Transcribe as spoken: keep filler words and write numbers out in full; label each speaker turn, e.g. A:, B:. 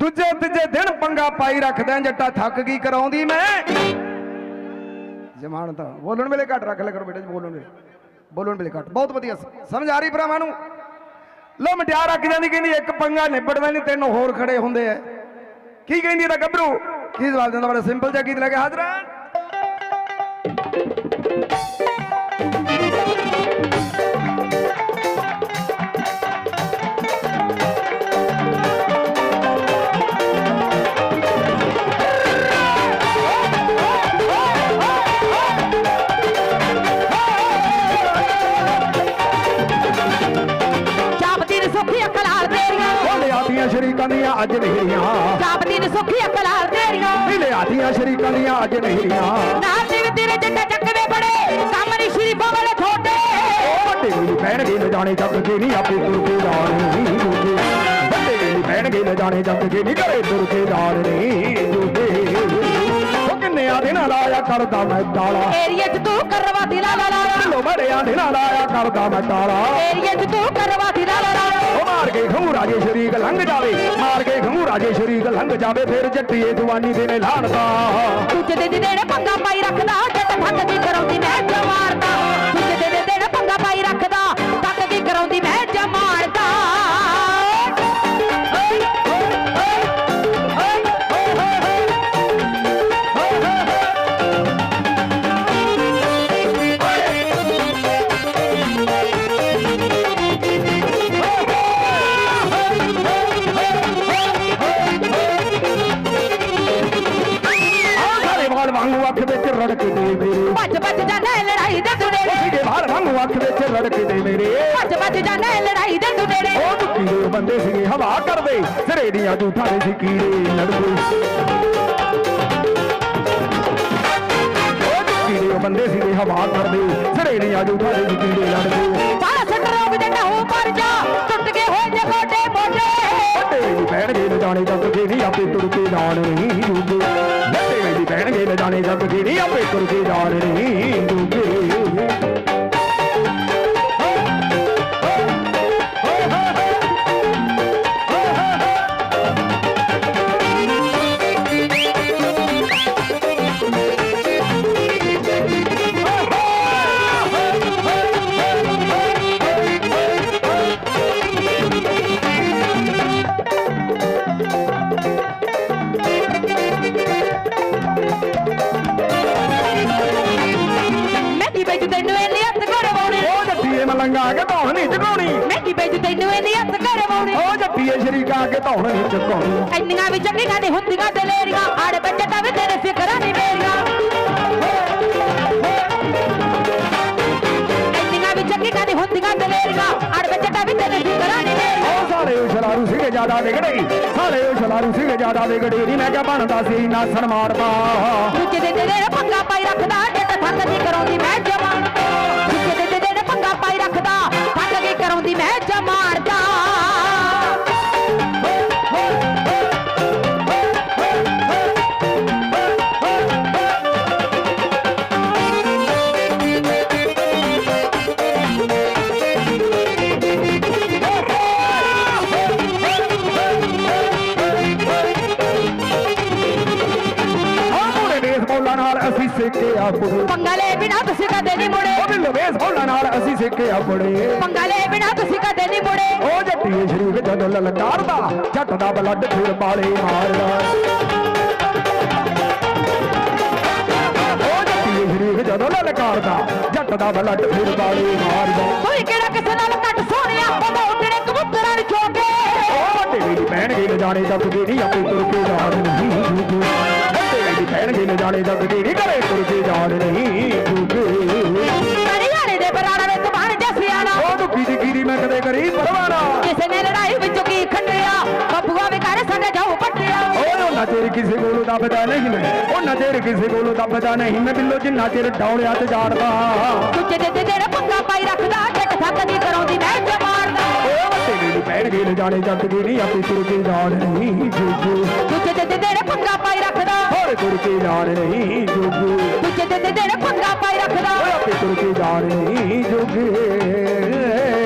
A: दूजे तीजे दिन पंगा पाई रखदा जट्टा थक गई कराउंदी मैं जमानता बोलन वेले घट रख ले करो बेटे बोलन वेले बोलन वेले घट बहुत वधिया समझ आ रही भरावां नूं लो मटियार रख जांदी कहंदी एक पंगा निबड़दा नहीं तीन होर खड़े हुंदे आ की कहंदी दा गभरू की जवाब दिंदा बड़ा सिंपल जिहा गीत लगे हाजरा शरीकां दियां अज नहीरियां
B: जापदी ने सुखी अकलाल तेरियां
A: मिले आदियां शरीकां दियां अज नहीरियां
B: नाल दे तेरे जट्टा चकवे बड़े काम नहीं शरीफां वाले छोटे
A: बड़े मेरी भैन गे न जाने जग के नहीं आपे तुर के जाने बड़े मेरी भैन गे न जाने जग के नहीं करे तुर के जाने ओ किन्ने आदे ना लाया करदा मैं डाला
B: एरिया च तू करवा दिला ला ला
A: लो बड़े आदे ना लाया करदा मैं डाला
B: एरिया च तू करवा दिला ला ला
A: मार के घमू राजे शरीक लंघ जावे मार के घमू राजे शरीक लंघ जावे फिर जट्टीए जवानी देने लाणदा
B: तुझे दे दे देने पंगा पाई रखदा जट थक दी कराउंदी मैं जमारदा तुझे दे दे देने पंगा पाई रखदा थक दी कराउंदी मैं जमारदा
A: रड़क दे मेरे
B: भज भज जाना लड़ाई दे दुनेरे
A: सीधे बाहर वांगू अख विच रड़क दे मेरे
B: भज भज जाना लड़ाई दे दुनेरे
A: ओ दुखी दे बंदे सीगे हवा कर दे सिरे दियां जूठां दे सी कीड़े लड़दे ओ दुखी दे बंदे सीगे हवा कर दे सिरे दियां जूठां दे सी कीड़े लड़दे
B: बाला सट रोग जट्टा हो पर जा टुट के होए जे गोडे मोढे
A: बड़े मेरी भैन गे न जाने जग के नहीं आपे तुर के जान नहीं जूगे बड़े मेरी भैन गे न जाने जग के नहीं आपे तुर के जान नहीं जूगे लंगा के धौन नहीं चुकाउणी
B: महंगी बेच तैनू इन्नी हत्थ करवाउणी
A: ओ जट्टीए शरीका के धौन नहीं चुकाउणी
B: ਇੰਨੀਆਂ ਵੀ ਚੰਗੀਆਂ ਨੇ ਹੁੰਦੀਆਂ ਦਲੇਰੀਆਂ ਆੜ ਬੱਚਾ ਵੀ ਤੇਰੇ ਫਿਕਰਾਂ ਨਹੀਂ ਮੇਰੀਆਂ ਇੰਨੀਆਂ ਵੀ ਚੰਗੀਆਂ ਨੇ ਹੁੰਦੀਆਂ ਦਲੇਰੀਆਂ ਆੜ ਬੱਚਾ ਵੀ ਤੇਰੇ ਫਿਕਰਾਂ ਨਹੀਂ ਮੇਰੀਆਂ
A: ओ साले ओ शरारू सीगे ज्यादा विगड़े साले ओ शरारू सीगे ज्यादा विगड़े नी मैं क्या बनदा सी ना सनमारदा
B: ਦੂਜੇ ਦੇ ਦੇ ਦੇ ਪੰਗਾ ਪਾਈ ਰੱਖਦਾ ਜੱਟ ਥੱਕ ਦੀ ਕਰਾਉਂਦੀ ਮੈਂ ਜਵਾਨ ਦੂਜੇ ਦੇ ਦੇ ਦੇ ਪੰਗਾ ਪਾਈ ਰੱਖਦਾ ਥੱਕ ਦੀ ਕਰਾਉਂਦੀ ਮੈਂ ਜਮਾਰਦਾ
A: सिक्के आपड़े
B: पंगा ले बिना तुसी कदे नहीं मुड़े
A: ओ बिल्लो बेस बोलना नाल असी सिक्के आपड़े
B: पंगा ले बिना तुसी कदे नहीं मुड़े
A: ओ जट्टीए शरीक जदों ललकारदा जट दा ब्लड फिर बाले मारदा ओ जट्टीए शरीक जदों ललकारदा जट दा ब्लड फिर बाले मारदा
B: कोई केड़ा किसे नाल घट सोहणिया ओदा उडणे कबूतरां नु चोके
A: ओ वड्डे मेरी भैन गे न जाने जग के नहीं आपे तुर के जान नहीं जूगे मेरी भैन गे न जाने जग के नहीं करे तुर के जान नहीं जूगे
B: हरियाणे दे बराड़ा विच बन जा सियाणा
A: ओ दुखी दी गिरी मैं कदे करी परवाना
B: किसे ने लड़ाई विचों की खंडिया बबुआ वे कर साडे जाऊ पट्टिया
A: ओ ना तेरे किसे कोलों दबदा नहीं मैं ओ ना तेरे किसे कोलों दबदा नहीं मैं बिल्लो जिन्ना तेरे डौड़िया ते जाड़दा
B: तुझे दे दे जेड़ा पंगा पाई रखदा जट थक दी कराउंदी मैं जमारदा
A: ओ वट्टे मेरी भैन गे न जाने जग के नहीं आपे तुर के जान नहीं जूगे
B: तुझे दे दे जेड़ा पंगा पाई रखदा
A: होर तुर के जान नहीं जूगे
B: तुझे दे दे जेड़ा पंगा पाई रखदा
A: आपे तुर के जान नहीं जूगे